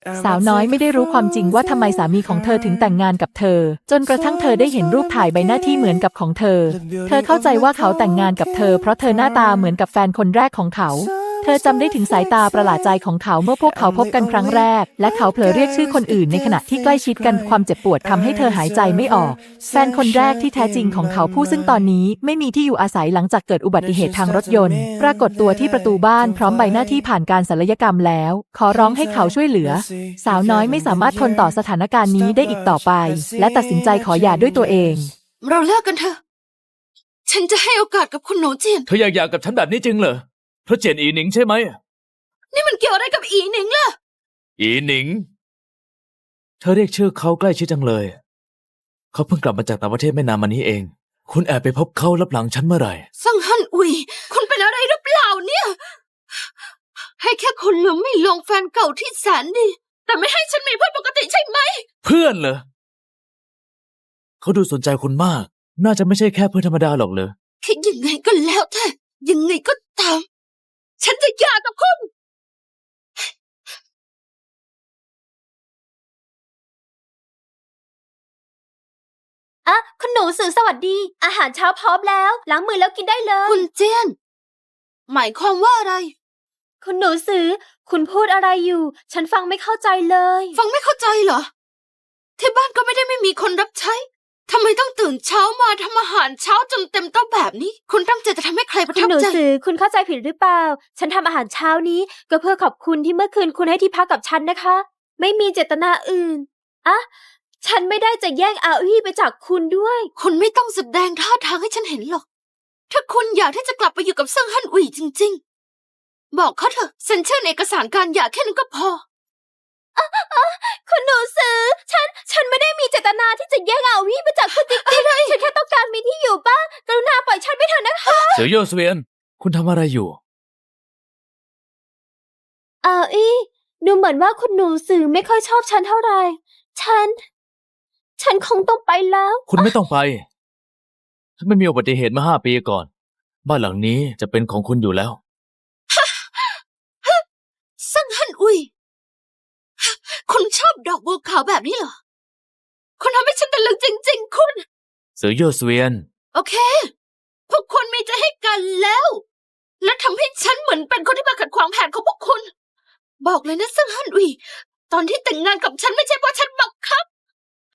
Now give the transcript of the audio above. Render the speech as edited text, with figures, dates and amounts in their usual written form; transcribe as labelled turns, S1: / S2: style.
S1: สาวน้อยไม่ได้รู้ความจริงว่าทำไมสามีของเธอถึงแต่งงานกับเธอจนกระทั่งเธอได้เห็นรูปถ่ายใบหน้าที่เหมือนกับของเธอเข้าใจว่าเขาแต่งงานกับเธอเพราะเธอหน้าตาเหมือนกับแฟนคนแรกของเขาเธอจำได้ถึงสายตาประหลาดใจของเขาเมื่อพวกเขาพบกันครั้งแรกและเขาเผลอเรียกชื่อคนอื่นในขณะที่ใกล้ชิดกันความเจ็บปวดทำให้เธอหายใจไม่ออกแฟนคนแรกที่แท้จริงของเขาผู้ซึ่งตอนนี้ไม่มีที่อยู่อาศัยหลังจากเกิดอุบัติเหตุทางรถยนต์ปรากฏตัวที่ประตูบ้านพร้อมใบหน้าที่ผ่านการศัลยกรรมแล้วขอร้องให้เขาช่วยเหลือสาวน้อยไม่สามารถทนต่อสถานการณ์นี้ได้อีกต่อไปและตัดสินใจขอหย่าด้วยตัวเอง
S2: เราเลิกกันเถอะฉันจะให้โอกาสกับคุณหนูเจียน
S3: เธออยากหย่ากับฉันแบบนี้จริงเหรอเพราะเจียนอีหนิงใช่ไหม
S2: นี่มันเกี่ยวอะไรกับอีหนิงล่ะ
S3: อีหนิงเธอเรียกชื่อเขาใกล้ชิดจังเลยเขาเพิ่งกลับมาจากต่างประเทศไม่นานมานี้เองคุณแอบไปพบเขาลับหลังฉันเมื่อไหร่
S2: ซังฮั่นอุยคุณเป็นอะไรหรือเปล่าเนี่ยให้แค่คุณลืมไม่ลงแฟนเก่าที่แสนดีแต่ไม่ให้ฉันมีเพื่อนปกติใช่ไหม
S3: เพื่อนเหรอเขาดูสนใจคุณมากน่าจะไม่ใช่แค่เพื่อนธรรมดาหรอกเลย
S2: คิดยังไงก็แล้วแต่ยังไงก็ตามฉันจะหย่ากับคุณ
S4: อ่ะคุณหนูสื่อสวัสดีอาหารเช้าพร้อมแล้วล้างมือแล้วกินได้เลย
S2: คุณเจียนหมายความว่าอะไร
S4: คุณหนูสื่อคุณพูดอะไรอยู่ฉันฟังไม่เข้าใจเลย
S2: ฟังไม่เข้าใจเหรอที่บ้านก็ไม่มีคนรับใช้ทำไมต้องตื่นเช้ามาทำอาหารเช้าจนเต็มโต๊ะแบบนี้คุณตั้งใจจะทำให้ใครประทับใจ
S4: คุณหนูสื่อคุณเข้าใจผิดหรือเปล่าฉันทำอาหารเช้านี้ก็เพื่อขอบคุณที่เมื่อคืนคุณให้ที่พักกับฉันนะคะไม่มีเจตนาอื่นอ่ะฉันไม่ได้จะแย่งอาวี่ไปจากคุณด้วย
S2: คุณไม่ต้องแสดงท่าทางให้ฉันเห็นหรอกถ้าคุณอยากที่จะกลับไปอยู่กับเซิงฮั่นอุ๋ยจริงๆบอกเขาเถอะเซ็นชื่อในเอกสารการหย่าแค่นั้นก็พอ
S4: คุณหนูสื่อฉันไม่ได้มีเจตนาที่จะแย่งอาวี่ไปจากคุณจริงๆฉันแค่ต้องการมีที่อยู่บ้างกรุณาปล่อยฉันไปเถอะนะคะ
S3: เสี่ยวโย่เสวียนคุณทำอะไรอยู่
S4: อาวี่ดูเหมือนว่าคุณหนูสื่อไม่ค่อยชอบฉันเท่าไหร่ฉันคงต้องไปแล้ว
S3: คุณไม่ต้องไปฉันไม่มีอุบัติเหตุมา5 ปีก่อนบ้านหลังนี้จะเป็นของคุณอยู่แล้ว
S2: เซิงฮั่นอุ๋ยคุณชอบดอกบัวขาวแบบนี้เหรอคุณทำให้ฉันตะลึงจริงๆคุณ
S3: เสี่ยวโย่เสวียน
S2: โอเคพวกคุณมีใจให้กันแล้วและทำให้ฉันเหมือนเป็นคนที่มาขัดขวางแผนของพวกคุณบอกเลยนะเซิงฮั่นอุ๋ยตอนที่แต่งงานกับฉันไม่ใช่เพราะฉันบังคับ